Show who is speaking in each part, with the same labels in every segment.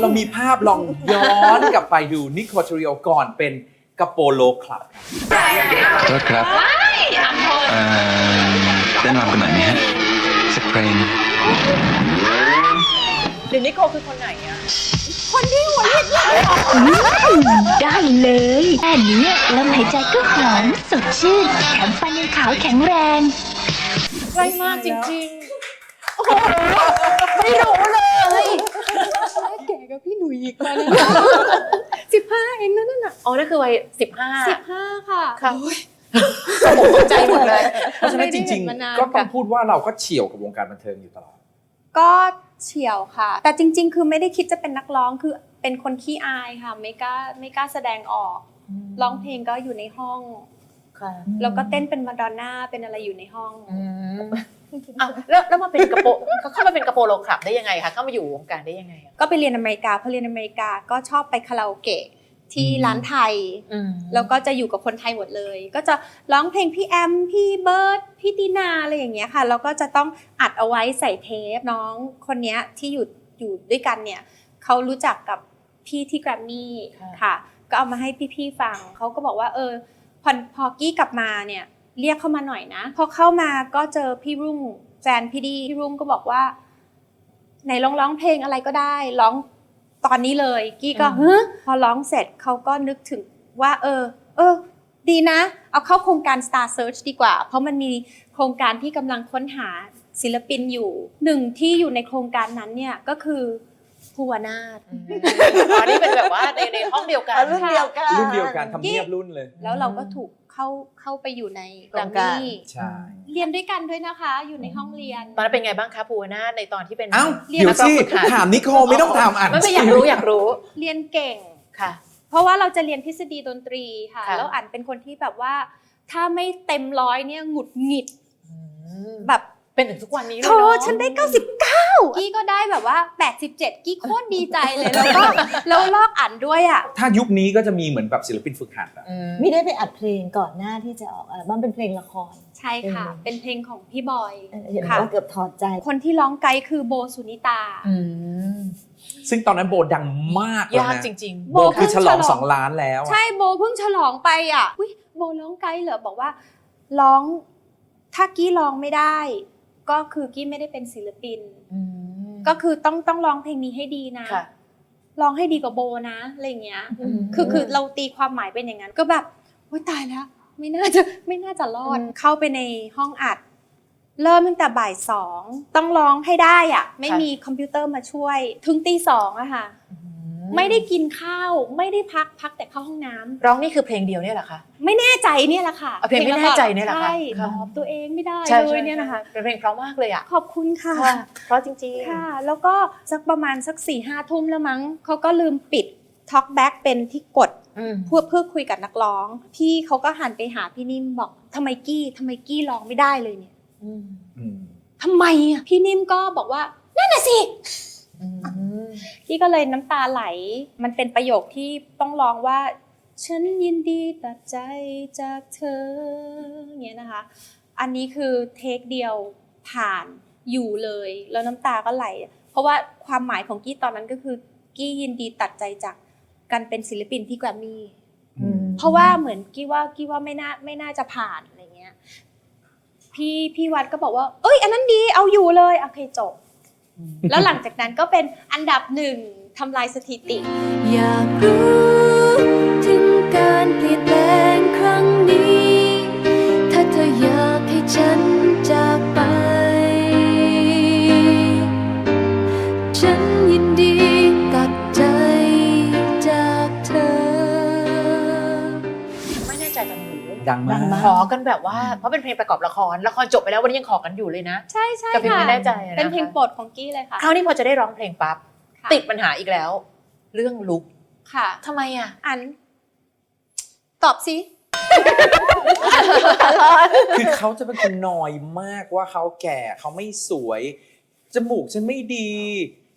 Speaker 1: เรามีภาพลองย้อนกลับไปดูนิโคทริโอก่อนเป็นกระโปโลคลับ
Speaker 2: โทษครับเต้นรำกันหน่อยไหมฮะสักเพลง
Speaker 3: เดี๋ยวนิโคคือคนไหนอะ
Speaker 4: ได้เลยแค่นี้ลมหายใจก็หอมสดชื่นแถมฟันยังขาวแข็งแรง
Speaker 3: ใกล้มากจริงๆ โอ้โหไม่รู้เลย
Speaker 5: แก่กับพี่หนุ่ยอีกมาเลย15 เองนั่นน่ะ
Speaker 3: อ๋อนั่นคือวัย15
Speaker 5: 15 ค่ะ
Speaker 3: ค่ะตกใจหมดเลย
Speaker 1: เพราะฉะนั้นจริงๆ ก็ต้องพูดว่าเราก็เฉี่ยวกับวงการบันเทิงอยู่ตลอด
Speaker 5: ก็เฉียวค่ะ แต่จริงๆ คือไม่ได้คิดจะเป็นนักร้องคือเป็นคนขี้อายค่ะไม่กล้าแสดงออกร้องเพลงก็อยู่ในห้อง
Speaker 3: ค่ะ
Speaker 5: แล้วก็เต้นเป็นมาดอนน่าเป็นอะไรอยู่ในห้อง
Speaker 3: อ้าวแล้วมาเป็นกระโปเขาเข้ามาเป็นกระโปโลคลับได้ยังไงคะเข้ามาอยู่วงการได้ยังไงอะ
Speaker 5: ก็ไปเรียนอเมริกาพอเรียนอเมริกาก็ชอบไปคาราโอเกะที่ร้านไทย แล้วก็จะอยู่กับคนไทยหมดเลย ก็จะร้องเพลงพี่แอมพี่เบิร์ดพี่ตินาอะไรอย่างเงี้ยค่ะแล้วก็จะต้องอัดเอาไว้ใส่เทปน้องคนเนี้ยที่อยู่ด้วยกันเนี่ยเขารู้จักกับพี่ที่แกรมมี่ค่ะ ก็เอามาให้พี่ๆฟังเขาก็บอกว่าพอกี้กลับมาเนี่ยเรียกเข้ามาหน่อยนะพอเข้ามาก็เจอพี่รุ่งแฟนพี่รุ่งก็บอกว่าไหนร้องเพลงอะไรก็ได้ร้องตอนนี้เลยกี้ก็พอร้องเสร็จเขาก็นึกถึงว่าดีนะเอาเข้าโครงการ Star Search ดีกว่าเพราะมันมีโครงการที่กำลังค้นหาศิลปินอยู่หนึ่งที่อยู่ในโครงการนั้นเนี่ยก็คือภูวนาถ
Speaker 3: อ๋อนี่เป็นแบบว่าในห้องเดียวกัน
Speaker 6: รุ่นเดียวกัน
Speaker 1: รุ่นเดียวกันทำเนียบรุ่นเลย
Speaker 5: แล้วเราก็ถูกเข้าไปอยู่ในแกรม
Speaker 3: โครงการ
Speaker 5: มี่
Speaker 1: ใช่
Speaker 5: เรียนด้วยกันด้วยนะคะอยู่ในห้องเรียน
Speaker 3: ตอนนั้นเป็นไงบ้างคะภูวนาถในตอนที่เป็น
Speaker 1: เอ้า
Speaker 5: เรียน
Speaker 1: เดี๋ยวสิ
Speaker 3: นักร้องฝึกหัด
Speaker 1: ถามนิโคไม่ต้องถามอ่าน
Speaker 3: ไม่อยากรู้
Speaker 5: เรียนเก่ง
Speaker 3: ค่ะ
Speaker 5: เพราะว่าเราจะเรียนทฤษฎีดนตรีค่ะ
Speaker 3: ค่ะ
Speaker 5: แล้วอ่านเป็นคนที่แบบว่าถ้าไม่เต็ม100เนี่ยหงุดหงิดแบบ
Speaker 3: เป็นถึงทุกวันนี้เลย
Speaker 5: โธ่
Speaker 3: เนาะ
Speaker 5: ฉันได้99กี้ก็ได้แบบว่า87กี้โคตรดีใจเลยแล้วลอกอ่านด้วยอ่ะ
Speaker 1: ถ้ายุคนี้ก็จะมีเหมือนแบบศิลปินฝึกหัดอะ
Speaker 6: ไม่ได้ไปอัดเพลงก่อนหน้าที่จะออกอัลบั้มเป็นเพลงละคร
Speaker 5: ใช่ค่ะ เป็นเพลงของพี่บอย
Speaker 6: เห็น
Speaker 5: ค่ะ
Speaker 6: ว่าเกือบถอดใจ
Speaker 5: คนที่ร้องไกด์คือโบสุนิตา
Speaker 1: ซึ่งตอนนั้นโบดังมากเลย
Speaker 3: ยาก
Speaker 1: นะ
Speaker 3: จริง
Speaker 1: โบคือฉลอง2 ล้านแล้วอะ
Speaker 5: ใช่โบเพิ่งฉลองไปอ่ะอุ๊ยโบร้องไกด์เหรอบอกว่าร้องถ้ากี้ร้องไม่ได้ ก็คือกี้ไม่ได้เป็นศิลปิน ก็คือต้องร้องเพลงนี้ให้ดีนะ
Speaker 3: ค่ะ
Speaker 5: ร้องให้ดีกว่าโบนะอะไรอย่างเงี้ยคือเราตีความหมายเป็นอย่างนั้นก็แบบโอ๊ยตายแล้วไม่น่าจะรอดเข้าไปในห้องอัด เริ่มตั้งแต่บ่าย2ต้องร้องให้ได้อ่ะไม่มีคอมพิวเตอร์มาช่วยถึงตี 2อะค่ะไม่ได้กินข้าวไม่ได้พักแต่เข้าห้องน้ำ
Speaker 3: ร้องนี่คือเพลงเดียวเนี่ยเหรอคะ
Speaker 5: ไม่แน่ใจเนี่ยแหละค่ะ
Speaker 3: เอาเพลงไม่แน่ใจเนี่ยเหรอคะ
Speaker 5: ใช่
Speaker 3: ค่ะ
Speaker 5: ตอบตัวเองไม่ได้
Speaker 3: ใช่
Speaker 5: เลยเนี่ยนะคะ
Speaker 3: เป็นเพลงเพราะมากเลยอ่ะ
Speaker 5: ขอบคุณค่ะ
Speaker 3: เพราะจริงๆ
Speaker 5: ค่ะ แล้วก็สักประมาณสัก4-5 ทุ่มแล้วมั้งเขาก็ลืมปิด Talk Back เป็นที่กดเพื่อคุยกับนักร้องพี่เขาก็หันไปหาพี่นิ่มบอกทำไมกี้ร้องไม่ได้เลยเนี่ยทำไมอ่ะพี่นิ่มก็บอกว่านั่นน่ะสิกี้ก็เลยน้ำตาไหลมันเป็นประโยคที่ต้องร้องว่าฉันยินดีตัดใจจากเธออย่างเงี้ยนะคะอันนี้คือเทคเดียวผ่านอยู่เลยแล้วน้ำตาก็ไหลเพราะว่าความหมายของกี้ตอนนั้นก็คือกี้ยินดีตัดใจจากการเป็นศิลปินที่แกรมมี่เพราะว่าเหมือนกี้ว่าไม่น่าจะผ่านอะไรเงี้ยพี่วัดก็บอกว่าเอ้ยอันนั้นดีเอาอยู่เลยโอเคจบแล้วหลังจากนั้นก็เป็นอันดับ1ทำลายสถิติอยากรู้ถึงการเปลี่ยนแปลงครั้งนี้ถ้าเธออยากให้ฉันจากไปฉันยินดีตัดใจจากเธอ
Speaker 3: ไม่แน่ใจจังหนู
Speaker 1: ดังมาก
Speaker 3: ขอกันแบบว่าเพราะเป็นเพลงประกอบละครจบไปแล้ววันนี้ยังขอกันอยู่เลยนะ
Speaker 5: ใช่
Speaker 3: กับเพลง
Speaker 5: ค่ะ
Speaker 3: ไม่แน่ใจนะคะ
Speaker 5: เป็นเพลงโปรดของกี้เลยค่ะ
Speaker 3: คราวนี้พอจะได้ร้องเพลงปั๊บ
Speaker 5: ค่ะ
Speaker 3: ติดปัญหาอีกแล้ว เรื่องลุก
Speaker 5: ค่ะ
Speaker 3: ทำไมอ่ะ
Speaker 5: อันตอบสิ
Speaker 1: คือเขาจะเป็นคนนอยมากว่าเขาแก่เขาไม่สวย จมูกฉันไม่ดี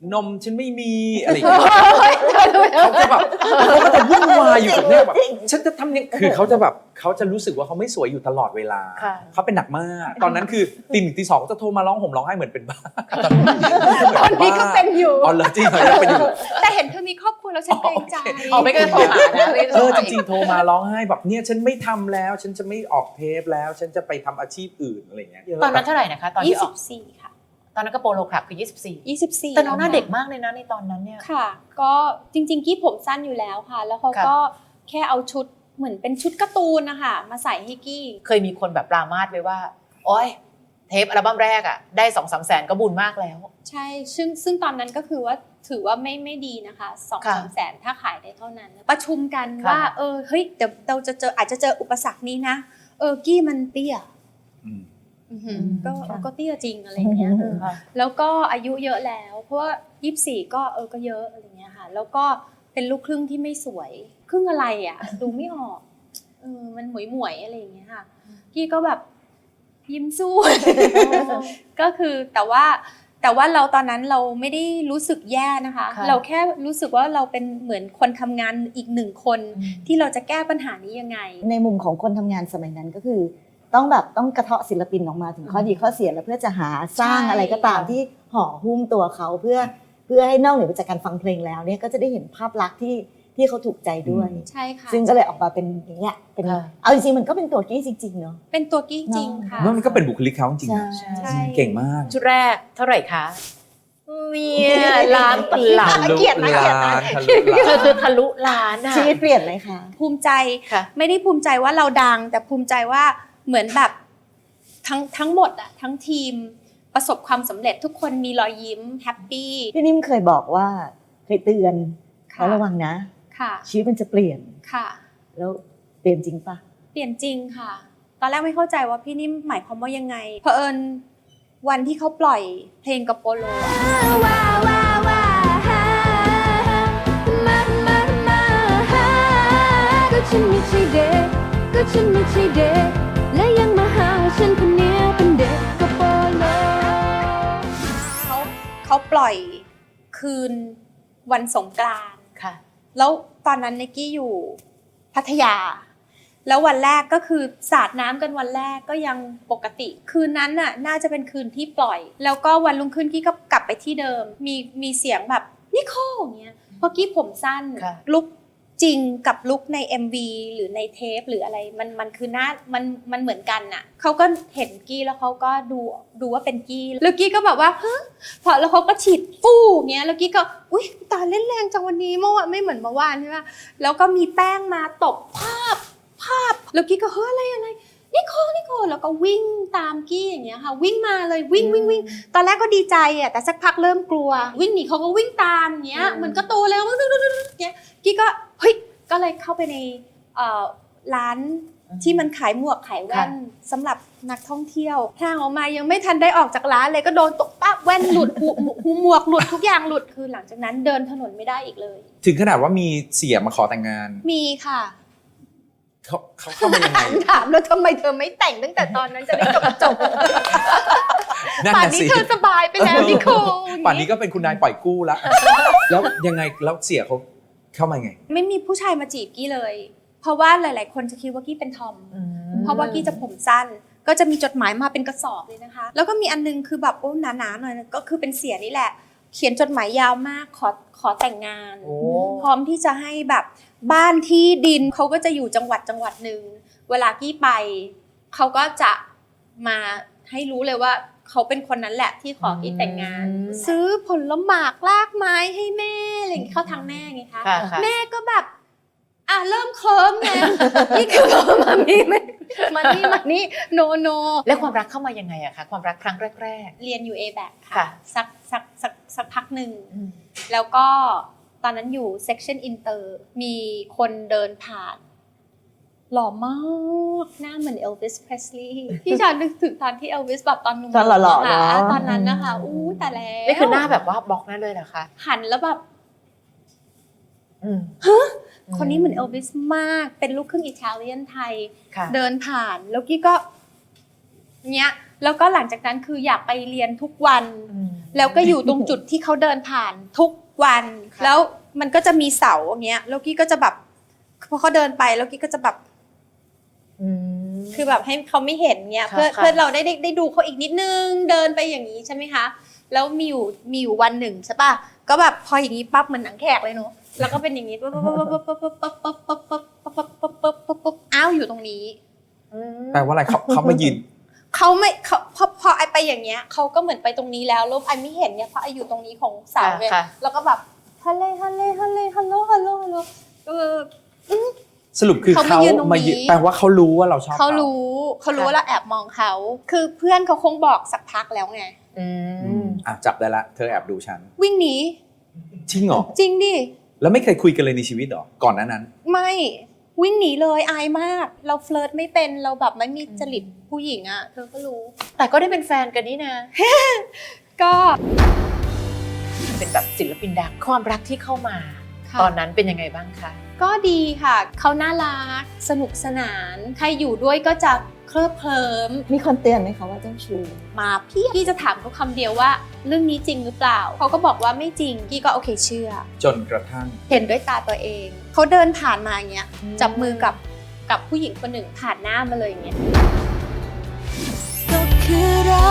Speaker 1: นมฉันไม่มีอะไรอย่างเงี้ยเขาจะแบบเขาก็จะวุ่นวายอยู่กับเนี่ยแบบฉันจะทำยังคือเขาจะแบบเขาจะรู้สึกว่าเขาไม่สวยอยู่ตลอดเวลา
Speaker 3: ค่ะ
Speaker 1: เขาเป็นหนักมากตอนนั้นคือตี 1 ตี 2ก็จะโทรมาร้องห่มร้องไห้เหมือนเป็นบ้า
Speaker 5: ตอนนี้ก็เป็นอยู่
Speaker 1: อ๋อเหรอจริงเหรอยังเป็นอยู่
Speaker 5: แต่เห็นเธอมีครอบครัวแล้วฉันเกรงใจ
Speaker 3: เอาไม่ก็โทรหานะไม่ได้โท
Speaker 1: เอ
Speaker 3: ร
Speaker 1: อ
Speaker 3: หา
Speaker 1: จริงๆโทรมาร้องไห้แบบเนี่ยฉันไม่ทำแล้ว ฉันจะไม่ออกเทปแล้ว ฉันจะไปทำอาชีพอื่นอะไรอย่างเงี้ย
Speaker 3: ตอนนั้นเท่าไหร่นะคะ ตอนที่ออก
Speaker 5: 24 ค่ะ
Speaker 3: ตอนนั้นก็โปโลคลับคือ 24
Speaker 5: 24
Speaker 3: แต่น้องหน้าเด็กมากเลยนะในตอนนั้นเนี่ย
Speaker 5: ค่ะ ก็จริงๆกี้ผมสั้นอยู่แล้วค่ะ แล้วเขาก็แค่เอาชุดเหมือนเป็นชุดการ์ตูนนะคะมาใส่ให้กี้
Speaker 3: เคยมีคนแบบปรามาสไว้ว่าโอ๊ยเทปอัลบั้มแรกอ่ะได้ 2-3 แสนก็บุญมากแล้ว
Speaker 5: ใช่ซึ่งตอนนั้นก็คือว่าถือว่าไม่ดีนะคะ
Speaker 3: ค่ะ
Speaker 5: 2-3 แสนถ้าขายได้เท่านั้น ประชุมกัน
Speaker 3: ค่ะ
Speaker 5: ว่าเฮ้ยเดี๋ยวเราจะอาจจะเจออุปสรรคนี้นะกี้มันเตี้ย
Speaker 1: อืม
Speaker 5: ก็เตี้ยจริงอะไรอย่างเงี้ย
Speaker 3: ค่ะ
Speaker 5: แล้วก็อายุเยอะแล้ว เพราะว่า24ก็เยอะอะไรเงี้ยค่ะ แล้วก็เป็นลูกครึ่งที่ไม่สวยครึ่งอะไรอ่ะ ดูไม่ออกมันหมวยอะไรอย่างเงี้ยค่ะกี้ก็แบบยิ้มสู้ ก็คือแต่ว่าเราตอนนั้นเราไม่ได้รู้สึกแย่นะคะ
Speaker 3: ค่ะ
Speaker 5: เราแค่รู้สึกว่าเราเป็นเหมือนคนทำงานอีกหนึ่งคนที่เราจะแก้ปัญหานี้ยังไง
Speaker 6: ในมุมของคนทำงานสมัยนั้นก็คือ ต้องกระเทาะศิลปินออกมาถึงข้อดีข้อเสียแล้วเพื่อจะหาสร้าง
Speaker 5: ใช่
Speaker 6: อะไรก็ตามที่ห่อหุ้มตัวเขาเพื่อให้นอกเหนือไปจากการฟังเพลงแล้วเนี่ยก็จะได้เห็นภาพลักษณ์ที่เขาถูกใจด้วย
Speaker 5: ใช่ค่ะ
Speaker 6: ซึ่งก็เลยออกมาเป็นอย่างเงี้ยเป็น
Speaker 3: ค่ะ
Speaker 6: เอาจริงๆมันก็เป็นตัวกี้จริงๆเนาะ
Speaker 5: เป็นตัวกี้จริงค่ะ
Speaker 1: ว่ามันก็เป็นบุคลิกเขาจริงๆนะ
Speaker 5: ใช่
Speaker 1: เก่งมาก
Speaker 3: ชุดแรกเท่าไหร่คะเมียล้านตลับ
Speaker 6: เกลียดนะเกลียดนะ
Speaker 1: ทะลุล้าน
Speaker 3: เธอคือทะลุล้านอะ
Speaker 6: ชีวิตเปลี่ยนไหมคะ
Speaker 5: ภูมิใจ
Speaker 3: ค่ะ
Speaker 5: ไม่ได้ภูมิใจว่าเราดัง แต่ภูมิใจว่าเหมือนแบบทั้งหมดอะทั้งทีมประสบความสำเร็จทุกคนมีรอยยิ้มแฮปปี้
Speaker 6: พี่นิ่มเคยบอกว่าเคยเตือน
Speaker 5: ค่ะ
Speaker 6: ว่าระวังนะ
Speaker 5: ค่ะ
Speaker 6: ชีวิตมันจะเปลี่ยน
Speaker 5: ค่ะ
Speaker 6: แล้วเปลี่ยนจริงปะ
Speaker 5: เปลี่ยนจริงค่ะ ตอนแรกไม่เข้าใจว่าพี่นิ่มหมายความว่ายังไงเผอิญวันที่เขาปล่อยเพลงกับโปโลอะ
Speaker 7: ก็ฉันไม่ใช่เด็กก็ฉันไม่ใช่เด็กและยังมาหาว่าฉันคนเนี้ยเป็นเด็กกระโปรงโล
Speaker 5: เขาปล่อยคืนวันสงกรานต์
Speaker 3: ค่ะ
Speaker 5: แล้วตอนนั้นไนกี้อยู่พัทยา แล้ววันแรกก็คือสาดน้ำกันวันแรกก็ยังปกติ คืนนั้นน่ะน่าจะเป็นคืนที่ปล่อย แล้วก็วันรุ่งขึ้นกี้ก็กลับไปที่เดิม มีเสียงแบบนิโคลอย่างเงี้ยเพราะกี้ผมสั้น
Speaker 3: ค่ะ
Speaker 5: ลุกจริงกับลุกใน MV หรือในเทปหรืออะไรมันคือหน้ามันเหมือนกันน่ะเขาก็เห็นกี้แล้วเขาก็ดูว่าเป็นกี้แล้วกี้ก็แบบว่าฮะพอแล้วเขาก็ฉีดฟู่เงี้ยแล้วกี้ก็อุ๊ยตาเล่นแรงจังวันนี้เมื่อวานไม่เหมือนเมื่อวานใช่ไหมแล้วก็มีแป้งมาตบภาพแล้วกี้ก็เฮ้ยอะไรนิโคลแล้วก็วิ่งตามกี้อย่างเงี้ยค่ะวิ่งมาเลยวิ่งตอนแรกก็ดีใจอ่ะแต่สักพักเริ่มกลัว วิ่งหนีเขาก็วิ่งตามอย่างเงี้ยเหมือนก็โตแล้วเงี้ยกี้ก็เฮ้ยก็เลยเข้าไปในร้านที่มันขายหมวกขายแว่นสำหรับนักท่องเที่ยวทางออกมายังไม่ทันได้ออกจากร้านเลยก็โดนตกปั๊บแว่นหลุดหูหมวกหลุดทุกอย่างหลุดคือหลังจากนั้นเดินถนนไม่ได้อีกเลย
Speaker 1: ถึงขนาดว่ามีเสียมาขอแต่งงาน
Speaker 5: มีค่ะ
Speaker 1: เขาเข้ามายังไง
Speaker 5: ถามแล้วทำไมเธอไม่แต่งตั้งแต่ตอนนั้นจะได้จบ
Speaker 1: นั่น
Speaker 5: ป่าน
Speaker 1: น่ะ
Speaker 5: นี้
Speaker 1: สิ
Speaker 5: เธอสบายไปแล้วนิโคล
Speaker 1: ป่านนี้ก็เป็นคุณนายปล่อยกู้แล้ว แล้วยังไงแล้วเสียเขาเข้ามาไง
Speaker 5: ไม่มีผู้ชายมาจีบกี้เลย เพราะว่าหลาย ๆ คนจะคิดว่ากี้เป็นทอม เพราะว่ากี้จะผมสั้น ก็จะมีจดหมายมาเป็นกระสอบเลยนะคะ แล้วก็มีอันนึงคือแบบโอ้หนาๆหน่อยก็คือเป็นเสียนี่แหละ เขียนจดหมายยาวมากขอแต่งงาน
Speaker 3: โอ้
Speaker 5: พร้อมที่จะให้แบบบ้านที่ดินเขาก็จะอยู่จังหวัดหนึ่งเวลากี้ไปเขาก็จะมาให้รู้เลยว่าเขาเป็นคนนั้นแหละที่ขอกี้แต่งงาน ซื้อผลหมากลากไม้ให้แม่อะไรอย่างเงี้ยเข้าทางแม่ไงคะ
Speaker 3: ค่ะ
Speaker 5: แม่ก็แบบเริ่มเคิร์มไง นี่คือมานี่โน
Speaker 3: แล้วความรักเข้ามายังไงอะคะความรักครั้งแรก
Speaker 5: เรียนอยู่ A-back
Speaker 3: ค่ะ
Speaker 5: ค่ะสักพักหนึ่ง
Speaker 3: ๆ
Speaker 5: แล้วก็ตอนนั้นอยู่ section inter มีคนเดินผ่าน หล่อมากหน้าเหมือน Elvis Presley พี่ชานึกถึงตอนที่ Elvis แบบตอนหนุ่ม
Speaker 6: ตอนหล่อๆ
Speaker 5: ค่ะ
Speaker 6: เนอะ
Speaker 5: ตอนนั้นนะคะอู้แต่แล้ว
Speaker 3: นี่คือหน้าแบบว่าบล็อกนั่นเลยเหรอคะ
Speaker 5: หันแล้วแบบ คนนี้เหมือน Elvis มากเป็นลูกครึ่งอิตาเลียนไทย
Speaker 3: ค่ะ
Speaker 5: เดินผ่านแล้วกี้ก็เนี้ยแล้วก็หลังจากนั้นคืออยากไปเรียนทุกวันแล้วก็อยู่ตรงจุดที่เขาเดินผ่านทุกวัน แล้วมันก็จะมีเสาอย่างเงี้ยแล้วกี้ก็จะแบบพอเขาเดินไปแล้วกี้ก็จะแบบคือแบบให้เขาไม่เห็นเงี้ยเพื่อเราได้ดูเขาอีกนิดนึงเดินไปอย่างนี้ใช่ไหมคะแล้วมีอยู่วันหนึ่งใช่ป่ะก็แบบพออย่างนี้ปั๊บเหมือนหนังแขกเลยเนาะแล้วก็เป็นอย่างนี้ปั๊บอ้าวอยู่ตรงนี้
Speaker 1: แปลว่าอะไรเขามายืน
Speaker 5: เขาไม่เขาพอไอไปอย่างเงี้ยเขาก็เหมือนไปตรงนี้แล้วไอไม่เห็นเนี่ยเพราะไออยู่ตรงนี้ของเสาเลยแล้วก็แบบฮัลโหล
Speaker 1: สรุปคือเขามายืนแปลว่าเขารู้ว่าเราชอบ
Speaker 5: เขารู้ว่าเราแอบมองเขาคือเพื่อนเขาคงบอกสักพักแล้วไง
Speaker 1: จับได้ละเธอแอบดูฉัน
Speaker 5: วิ่งหนี
Speaker 1: จริงเหรอ
Speaker 5: จริงดิ
Speaker 1: แล้วไม่เคยคุยกันเลยในชีวิตหรอก่อนนั้น
Speaker 5: ไม่วิ่งหนีเลยอายมากเราเฟลิร์ตไม่เป็นเราแบบไม่มีจริตผู้หญิงอ่ะเธอก็รู้
Speaker 3: แต่ก็ได้เป็นแฟนกันนี่นะ
Speaker 5: ก็
Speaker 3: เป็นแบบศิลปินดังความรักที่เข้ามาตอนนั้นเป็นยังไงบ้างคะ
Speaker 5: ก็ดีค่ะเขาน่ารักสนุกสนานใครอยู่ด้วยก็จะเคลิบเคลิ้ม
Speaker 6: มีคนเตือนไหมคะว่าเจ้าชู้
Speaker 5: มาพี่จะถามเขาคำเดียวว่าเรื่องนี้จริงหรือเปล่าเขาก็บอกว่าไม่จริงพี่ก็โอเคเชื่อ
Speaker 1: จนกระทั่ง
Speaker 5: เห็นด้วยตาตัวเองเขาเดินผ่านมาอย่างเงี้ยจับมือกับผู้หญิงคนหนึ่งผ่านหน้ามาเลยอย่างเงี้ย
Speaker 7: ก็คือรั